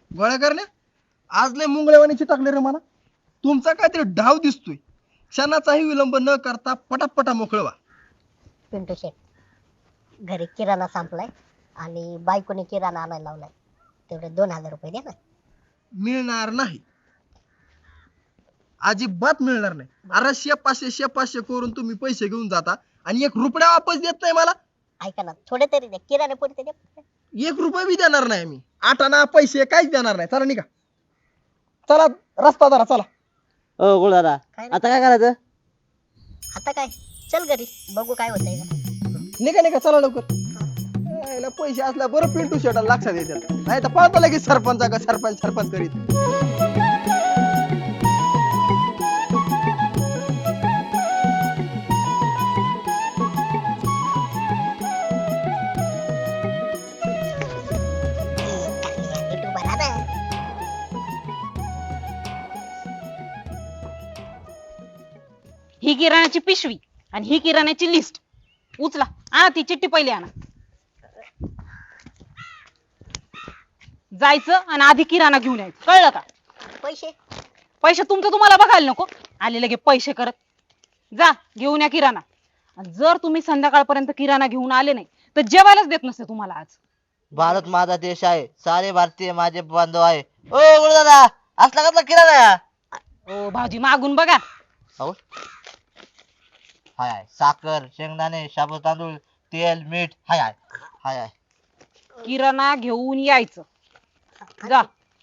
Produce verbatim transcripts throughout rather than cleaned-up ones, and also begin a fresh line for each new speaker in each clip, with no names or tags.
गोळ्या करण्या आज लय मुंगळेवाणी चिटकले रे मला. तुमचा काहीतरी डाव दिसतोय. क्षणाचाही विलंब न करता पटापटा मोकळं व्हा.
पिंटू शेट, घरी किराणा संपलाय आणि बायकोने किराणा आणायला लावलाय. तेवढे दोन हजार रुपये द्या ना.
मिळणार नाही, अजिबात मिळणार नाही. अरे शे पाचशे शे पाचशे करून तुम्ही पैसे घेऊन जाता आणि एक रुपया वापस देत नाही मला.
ऐका ना, थोडे तरी द्या, किराणा पुरते द्या.
एक रुपया बी देणार नाही मी. आटाना पैसे काहीच देणार नाही. चला निघा, चला रस्ता धरा चला.
ओ गुळ दादा,
काय रे?
आता काय करायचं?
आता काय, चल घरी बघू काय होतंय का.
निघा निघा चला लवकर. यायला पैसे असल्या बरं पिंटू शेटाला लक्षात येतात, नाही तर पाहतो लगेच सरपंच का सरपंच सरपंच करीत.
नीट उभा राहा ना.
ही किराण्याची पिशवी आणि ही किराण्याची लिस्ट उचला. आ ती चिठ्ठी पहिली आणा. जायचं आणि आधी किराणा घेऊन यायचं, कळलं का?
पैसे
पैसे तुमचं तुम्हाला बघायला नको, आले लगे पैसे करत. जा घेऊन या किराणा. आणि जर तुम्ही संध्याकाळपर्यंत किराणा घेऊन आले नाही तर जेवायलाच देत नसते तुम्हाला आज.
भारत माझा देश आहे, सारे भारतीय माझे बांधव आहे. ओ गुळ दादा, असला कसला किराणा?
ओ भाऊजी मागून बघा.
हो हाय हाय, साखर, शेंगदाणे, शाबू तांदूळ, तेल, मीठ हाय हाय हाय हाय.
किराणा घेऊन यायचं. जा.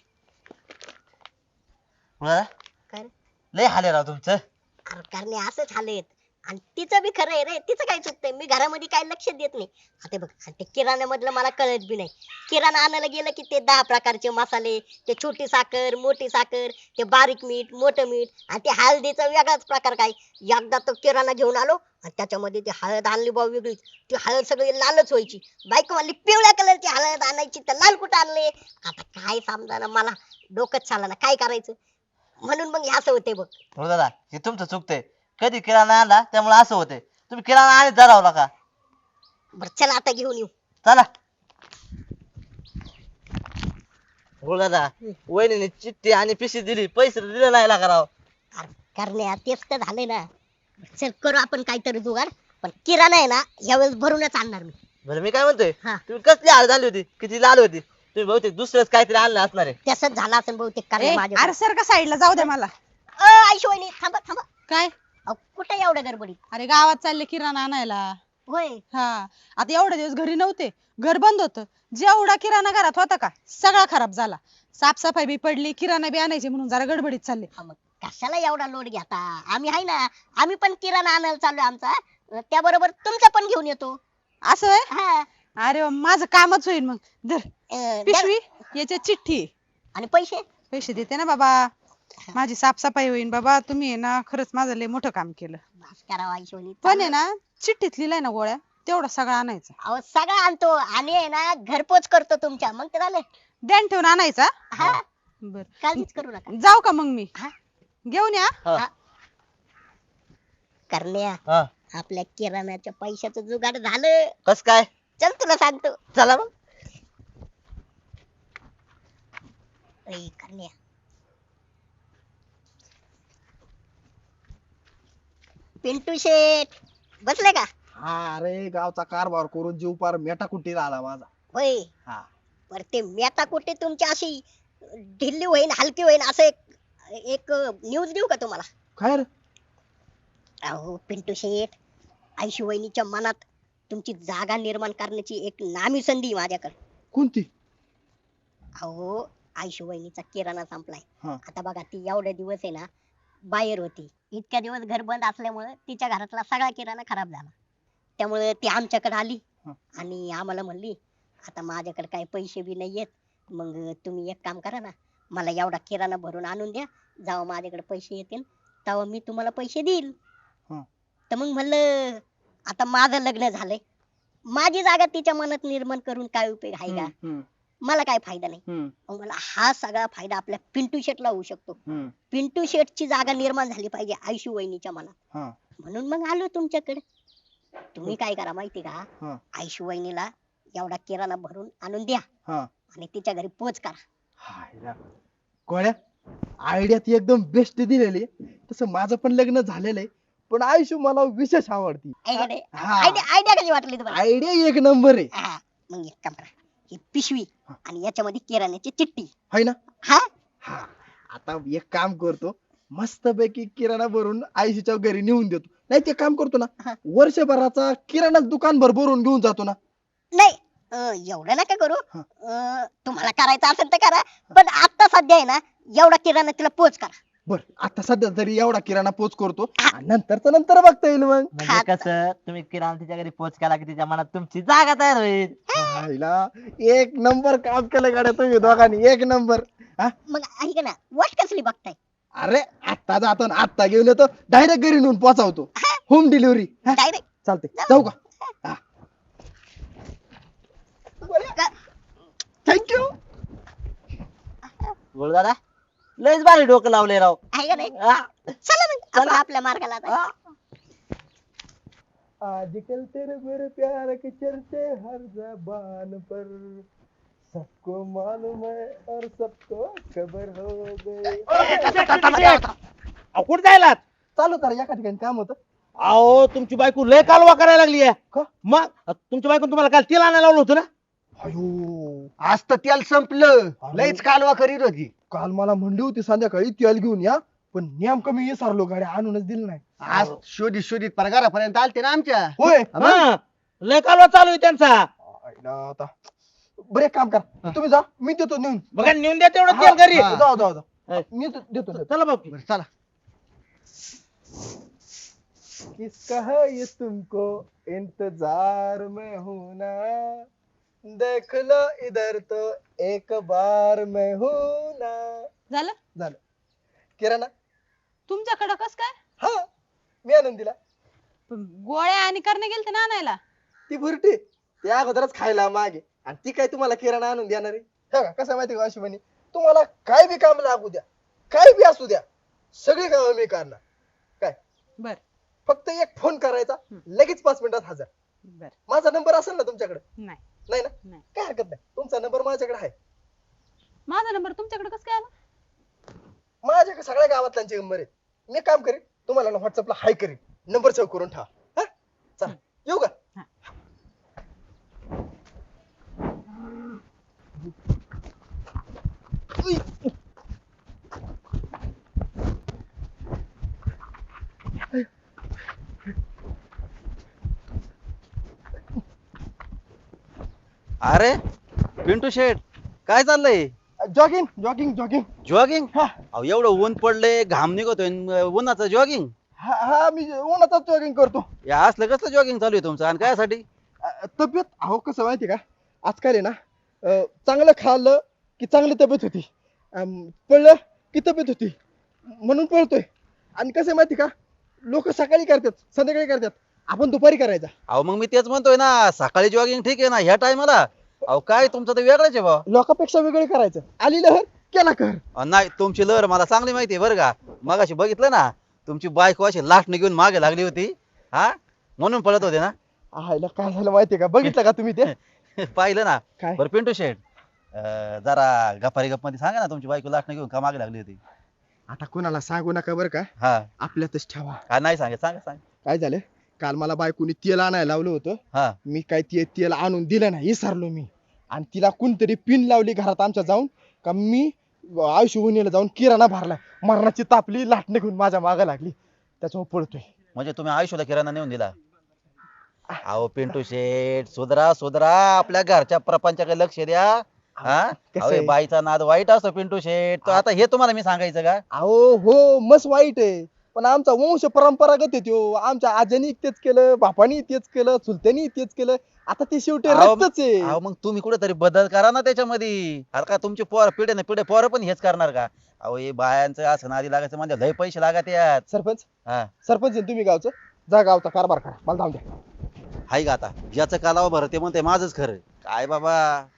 गुळ दादा,
काय रे?
लय हाले राव तुमचं.
अरे करणे असंच हालेत. आणि तिचं बी खरं आहे रे, तिचं काय चुकतंय, मी घरामध्ये काय लक्ष देत नाही. आता बघ, आणि ते किराण्यामधलं मला कळत बी नाही. किराणा आणायला गेलं की ते दहा प्रकारचे मसाले, ते छोटी साखर, मोठी साखर, ते बारीक मीठ, मोठं मीठ, आणि ते हळदीचा वेगळाच प्रकार काय. एकदा तो किराणा घेऊन आलो आणि त्याच्यामध्ये ती हळद आणली बा वेगळीच. ती हळद सगळी लालच व्हायची. बायको म्हणली पिवळ्या कलरची हळद आणायची, तर लाल कुठं आणले. आता काय समजा मला, डोकंच चालना काय करायचं. म्हणून मग हे असं होते बघ.
गुळ दादा, हे तुमचं चुकतंय. कधी किराणा आणला त्यामुळे असं होतंय. तुम्ही किराणा आणि धरावला का?
बरं चला आता घेऊन येऊ.
चला. गुळ दादा, वहिनीने चिठ्ठी आणि पिशवी दिली, पैसे दिले नाही लागा राव.
अरे करण्या तेच तर झालंय ना. चल करू आपण काहीतरी जुगाड, पण किराणा आहे ना यावेळेस भरूनच आणणार मी.
बरं मी काय म्हणतोय,
हा.
तुम्ही कसली हळद आणली होती, किती लाल होती? तुम्ही बहुतेक दुसरंच काहीतरी आणलं असणार आहे.
तसंच झालं असेल बहुतेक करण्या
ए,
माझ्या.
अरे सर का साईडला जाऊ दे मला.
आयशो वहिनी थांबा थांबा.
काय?
अहो, कुठे एवढं गडबडीत.
अरे गावात चालले किराणा आणायला.
होय.
हा, आता एवढे दिवस घरी नव्हते, घर बंद होतं. जेवढा किराणा घरात होता का सगळा खराब झाला. साफसफाई बी पडली, किराणा बी आणायची म्हणून जरा गडबडीत चालले.
हा, मग कशाला एवढा लोड घेता, आम्ही आहे ना. आम्ही पण किराणा आणायला चाललोय आमचा. त्याबरोबर तुमचा पण घेऊन येतो.
असं आहे?
हा.
अरे वा, माझं कामच होईल मग. धर
अं,
पिशवी, याच्यात चिठ्ठी.
आणि पैसे.
पैसे देते ना बाबा, माझी साफसफाई होईल बाबा. तुम्ही आहे ना खरंच माझं लय मोठं काम केलं.
बस करा आयशो वहिनी.
पण आहे ना चिठ्ठीत लिहिलंय ना गोळ्या, तेवढा सगळा आणायचा.
अहो सगळं आणतो आणि आहे ना घरपोच करतो तुमच्या, मग ते झालं.
ध्यान ठेवून आणायचा.
हा,
बर,
काळजीच करू नका.
जाऊ का मग मी?
हा.
घेऊन या.
हा.
करण्या
हा.
आपल्या किराण्याच्या पैशाचं जुगाड झालं.
कस काय?
चल तुला सांगतो.
चला मग.
ए, करण्या पिंटू शेठ बसले का?
हा अरे गावचा कारभार करून जीव पार मेटाकुटीला आला माझा.
होय.
हा.
पर ते मेता कुठे तुमची अशी ढिल्ली होईन, हलकी होईन, असं एक एक न्यूज देऊ का तुम्हाला?
काय रे?
अहो पिंटू शेठ, आयशू वहिनीच्या मनात तुमची जागा निर्माण करण्याची एक नामी संधी आहे माझ्याकडे.
कोणती?
अहो आयशू वहिनीचा किराणा संपलाय.
हा.
आता बघा ती एवढे दिवस आहे ना बाहेर होती. इतक्या दिवस घर बंद असल्यामुळे तिच्या घरातला सगळा किराणा खराब झाला. त्यामुळे ती आमच्याकडे आली
हा.
आणि आम्हाला म्हणली आता माझ्याकडे काही पैसे बी नाहीयेत, मग तुम्ही एक काम करा ना, मला एवढा किराणा भरून आणून द्या. जेव्हा माझ्याकडे पैसे येतील तेव्हा मी तुम्हाला पैसे देईल.
हा.
तर मग म्हणलं आता माझं लग्न झालंय, माझी जागा तिच्या मनात निर्माण करून काय उपयोग आहे का?
हम्म, हम्म,
मला काय फायदा नाही.
हम्म,
मग मला हा सगळा फायदा आपल्या पिंटू शेटला होऊ शकतो.
हम्म.
पिंटू शेटची जागा निर्माण झाली पाहिजे आयशू वहिनीच्या मनात.
हा.
म्हणून मग आलो तुमच्याकडे. तुम्ही काय करा माहिती का,
हा.
आयशू वहिनीला एवढा किराणा भरून आणून द्या
हा.
आणि तिच्या घरी पोच करा.
हायला. गोळ्या आयडिया ती एकदम बेस्ट दिलेली आहे. तसं माझं पण लग्न झालेलं आहे पण आयुष्य मला विशेष आवडती. हा.
आयडिया आयडिया कशी वाटली तुम्हाला
आयडिया एक नंबर आहे.
हा, मग एक काम करा ही पिशवी आणि याच्यामध्ये किराण्याची चिठ्ठी
हाय ना.
हा
हा आता एक काम करतो मस्तपैकी किराणा भरून आयुष्याच्या घरी नेऊन देतो. नाही ते काम करतो ना
हा.
वर्षभराचा किराणा दुकानभर भरून घेऊन जातो ना.
नाही अं, एवढं नका करू
हा.
अं, तुम्हाला करायचं असेल तर करा पण आता सध्या आहे ना एवढा किराणा तिला पोच करा.
बर आता सध्या तरी एवढा किराणा पोच करतो आणि नंतरच नंतर बघता येईल मग.
म्हणजे कसं तुम्ही किराणा तिच्या घरी पोच केला की तिच्या मनात तुमची जागा तयार होईल.
हायला, एक नंबर काम केलं गाड्या तुम्ही दोघांनी एक नंबर. हा
मग ऐका ना वाट कसली बघताय
अरे आत्ता जातो ना आत्ता घेऊन येतो डायरेक्ट घरी नेऊन पोहोचवतो. होम डिलिव्हरी
डायरेक्ट
चालते. जाऊ का. थँक्यू.
बोल दादा लयच भारी डोकं लावले राव.
आहे का नाही
हा.
चला मग आपण आपल्या मार्गाला आता.
आजकल तेरे मेरे प्यार के चर्चे हर जबान पर सबको मालूम है और सबको खबर हो गई.
कुठे जायला
चालू तर एका ठिकाणी काम होतं.
अहो तुमची बायको लय कालवा करायला लागली आहे
का?
मग तुमच्या बायको तुम्हाला काल तेल आणायला लावलं होतं ना.
अयो
आज तर तेल संपलं लयच कालवा करीत होती.
काल मला म्हणली होती संध्याकाळी तेल घेऊन या पण नेमकं मी विसरलो गाडी आणूनच दिली नाही.
आज शोधित शोधित पगारापर्यंत आलते ना आमच्या.
होय.
हा, लय कालवा चालू आहे त्यांचा.
आईला आता बरे काम कर तुम्ही जा मी देतो नेऊन.
बघा नेऊन द्या तेवढं तेल घरी.
हा.
जाऊ जाऊ जाऊ
हा.
मी देतो देतो देतो.
चला बापू.
बरं, चला.
किसका है ये तुमको इंतजार में हूं ना देख लो इधर तो एक बार मैं हूं ना.
झालं
झालं. किराणा
तुमच्याकडं कस काय
हा मी आणून दिला.
पण गोळ्या आणि करणे गेलते ना आणायला.
ती भुरटी ती अगोदरच खायला मागे आणि ती काय तुम्हाला किराणा आणून देणार आहे. हे बघा, कसं आहे माहिती का अश्विनी तुम्हाला काय बी काम लागू द्या काय बी असू द्या सगळी कामं मी करणार. काय
बर
फक्त एक फोन करायचा लगेच पाच मिनिटात हजर.
बर
माझा नंबर असेल ना तुमच्याकडे.
नाही
नाही ना
नाही.
काय हरकत नाही तुमचा नंबर माझ्याकडे आहे.
माझा नंबर तुमच्याकडे कस काय आला.
माझ्याकडे सगळ्या गावातल्यांचे नंबर आहेत. मी काम करेन तुम्हाला ना व्हॉट्सअपला हाय करेन नंबर सेव्ह करून ठेवा. हा चला येऊ का. उई.
अरे पिंटू शेठ काय चाललंय.
Jogging jogging jogging.
जॉगिंग
हा.
अहो एवढं ऊन पडलंय घाम निघतोय न उन्हाचं जॉगिंग.
हा हा मी उन्हाचाच जॉगिंग करतो.
या असलं कसलं जॉगिंग चालू आहे तुमचं आणि कायसाठी.
अ, तब्येत अहो कसं माहिती का आजकाल आहे ना अ, चांगलं खाल्लं की चांगली तब्येत होती अम, पळलं की तब्येत होती म्हणून पळतोय. आणि कसं आहे माहिती का लोक सकाळी करतात संध्याकाळी करतात आपण दुपारी करायचा.
अहो मग मी तेच म्हणतोय ना सकाळी जॉगिंग ठीक आहे ना ह्या टायमाला. अहो काय तुमचं तर वेगळंच आहे बा.
लोकांपेक्षा वेगळे करायचं. आली लहर केला कर.
अहो, नाही तुमची लहर मला चांगली माहिती आहे बरं का. मगाशी बघितलं ना तुमची बायको अशी लाटणं घेऊन मागे लागली होती. हा म्हणून पळत होते ना.
आयला काय झालं माहितीये का बघितलं का तुम्ही ते.
पाहिलं ना.
काय
बरं पिंटू शेठ अं, जरा गप्पारी गप मध्ये सांगा ना तुमची बायको लाटणं घेऊन का मागे लागली होती.
आता कोणाला सांगू नका बरं का
हा
आपल्यातच ठेवा.
हा नाही सांगा सांगा सांग.
काय झालं काल मला बायकोनी तेल आणायला लावलं होतं.
हा
मी काय ते तेल आणून दिलं नाही विसरलो मी. आणि तिला कोणतरी पिन लावली घरात आमच्या जाऊन का मी आयुष्य उन्हीला जाऊन किराणा भरला मरणाची तापली लाटणे घेऊन माझ्या मागे लागली त्याच्यावर पळतोय.
म्हणजे तुम्ही आयुष्याला किराणा नेऊन दिला. अहो पिंटू शेठ सुधरा सुधरा आपल्या घरच्या प्रपंचाकडे लक्ष द्या. हा
कसं
अहो, हे
आहे?
बाईचा नाद वाईट असतो पिंटू शेठ. तो आता हे तुम्हाला मी सांगायचं का.
अहो हो मस्त वाईट आहे पण आमचा वंश परंपरागत आहे त्यो. आमच्या आज्यानी तेच केलं बापानी तेच केलं चुलत्यानी तेच केलं आता ते शेवटी
अहो,
रक्तच आहे.
अहो मग तुम्ही कुठेतरी बदल करा ना त्याच्यामध्ये. अरे का तुमची पोर पिढे ना पिढे पोरं पण हेच करणार का. अहो हे बायांचं असं नादी लागायचं म्हणजे लय पैसे लागत यात.
सरपंच
हा
सरपंच आहे तुम्ही गावचं जा गावचा कारभार करा मला जाऊ द्या.
हाय का आता ज्याचं कालावं भर ते म्हणते माझंच खरं काय बाबा.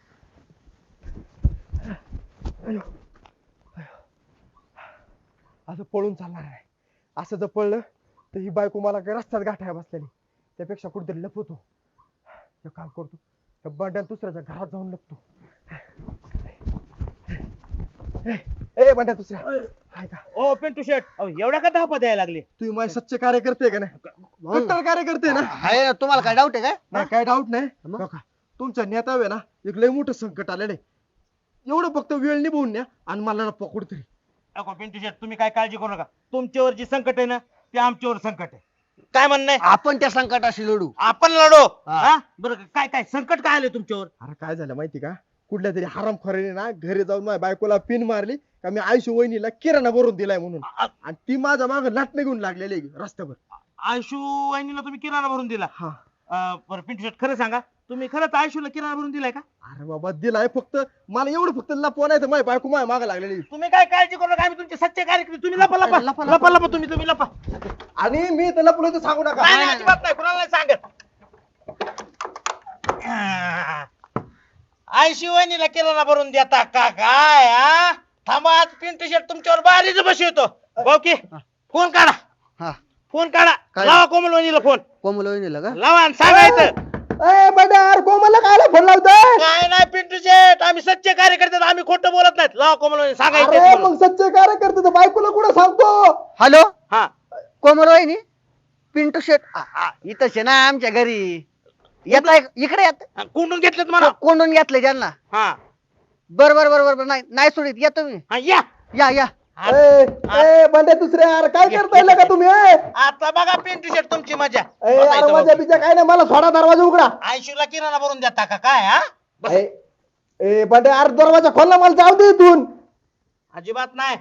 असं पळून चालणार नाही. असं जर पळलं तर ही बायको मला काय रस्त्यात गाठाय बसलेली त्यापेक्षा कुठेतरी लपवतो. एक काम करतो त्या बंड्याला दुसऱ्याच्या घरात जाऊन लपतो. ए बंड्या दुसऱ्या हाय का
ओ पिंटू शेट अहो, एवढ्या का धापा द्यायला लागले
तुम्ही माझे सच्चे कार्यकर्ते का नाही कट्टर कार्यकर्ते ना
आहे ना, तुम्हाला काय डाऊट आहे काय
नाही काय डाऊट नाही
मग?
बघा तुमच्या नेत्यावे ना एक लय मोठं संकट आलेलं आहे एवढं फक्त वेळ निभवून न्या आणि मला ना पकडू तरी
अहो पिंटू शेट तुम्ही काय काळजी करू नका तुमच्यावर जी संकट आहे ना ते आमच्यावर संकट आहे काय म्हणणं आहे
आपण त्या संकटाशी लढू
आपण लढो
हा.
हा? बरं काय काय संकट काय आले तुमच्यावर
अरे काय झालं माहिती का कुठल्या तरी हरामखोराने ना घरी जाऊन माझ्या बायकोला पिन मारली का मी आयुष्य वहिनीला किराणा भरून दिलाय म्हणून
आ-
आणि ती माझ्या माग लाटणे घेऊन लागलेली आहे रस्त्यावर
आयशू वहिनीला तुम्ही किराणा भरून दिला
हा
अं, बरं पिंटू शेट खरं सांगा तुम्ही खरंच आयशूला किराणा भरून दिलाय का
अरे बाबा दिलाय फक्त मला एवढं फक्त लपवा नाही तर माझी बायको माझ्या माग लागलेली आहे.
तुम्ही काय काळजी करू नका आम्ही तुमचे सच्चे कार्यक्रम तुम्ही लपा लपा
लपा, लपा.
लपा लपा तुम्ही तुम्ही लपा
आणि मी तर लपलो तर सांगू नका
नाही, नाही, अजिबात नाही कुणाला नाही सांगत आयशू वहिनीला किराणा भरून देता का काय हा थांबा आज पिंटू शेट तुमच्यावर बारीच बसवतो ओके फोन काढा
हा
फोन काढा
काय?
लावा कोमल वहिनीला फोन
कोमल वहिनीला का
लावा आणि सांगायचं
ए बंड्या यार कोमलला कायला फोन लावतोय
काय नाही पिंटू शेट आम्ही सच्चे कार्यकर्ते आम्ही खोटं बोलत नाहीत लावा कोमल वहिनी
अरे
सांगायचं
मग सच्चे कार्यकर्ते तर बायकोला कुठं सांगतो
हॅलो
हा
कोमल वहिनी पिंटू शेट आ, आ, इथंच आहे ना आमच्या घरी येत इकडे येत
कोंडून घेतलेत म्हणा
कोंडून घेतले त्यांना
हा
बर बर बर बर नाही नाही सोडित येतो मी
हा, या
या या
आ-
ए ए बंड्या दुसऱ्या यार काय करताय का तुम्ही ए
आता बघा पिंटू शेट तुमची मजा
ए, यार माझ्या बिच्या काय नाही मला सोडा दरवाजा उघडा
आयशूला किराणा भरून देता का काय हा
ए ए बंड्या यार दरवाजा खोलला मला जाऊ दे इथून
अजिबात नाही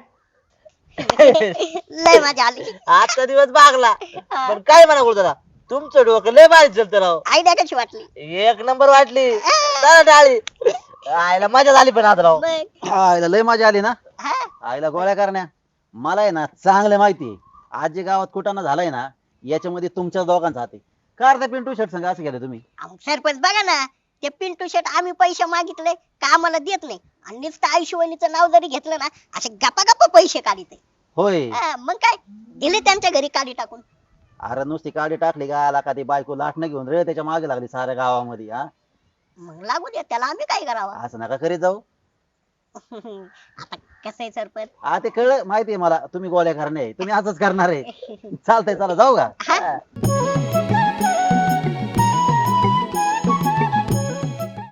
लय मजा आली
आजचा दिवस भागला पण काय म्हणा बोलतो तुमचं डोकं लय भारी चलत राव
आयडिया कशी वाटली
एक नंबर वाटली चला डाळी आईला मजा झाली पण आता राव
मग
आईला लय मजा आली ना
हा
आईला गोळ्या करण्या मला आहे ना चांगलं माहिती आहे आज जे गावात कुटाणा झालाय ना याच्यामध्ये तुमच्या दोघांचा हात आहे कार त्या पिंटू शर्ट संघ असं केलं तुम्ही
अहो, सरपंच बघा ना ते पिंटू शेट आम्ही पैसे मागितले का आम्हाला देत नाही आणि नुसतं आयुष्यवणीचं नाव जरी घेतलं ना असे गप्पा गप्पा पैसे काढिते
होय
हा, मग काय दिले त्यांच्या घरी काढी टाकून
अरे नुसती काडी टाकली का आला का ती बायको लाटणं घेऊन रे त्याच्या मागे लागली साऱ्या गावामध्ये हा
मग लागू द्या त्याला आम्ही काय करावं
असं नका करीत जाऊ
आता कसं आहे सरपंच
हा ते कळलं माहितीये मला तुम्ही गोळ्या करणे तुम्ही असंच करणार आहे चालतंय चला जाऊ का
हा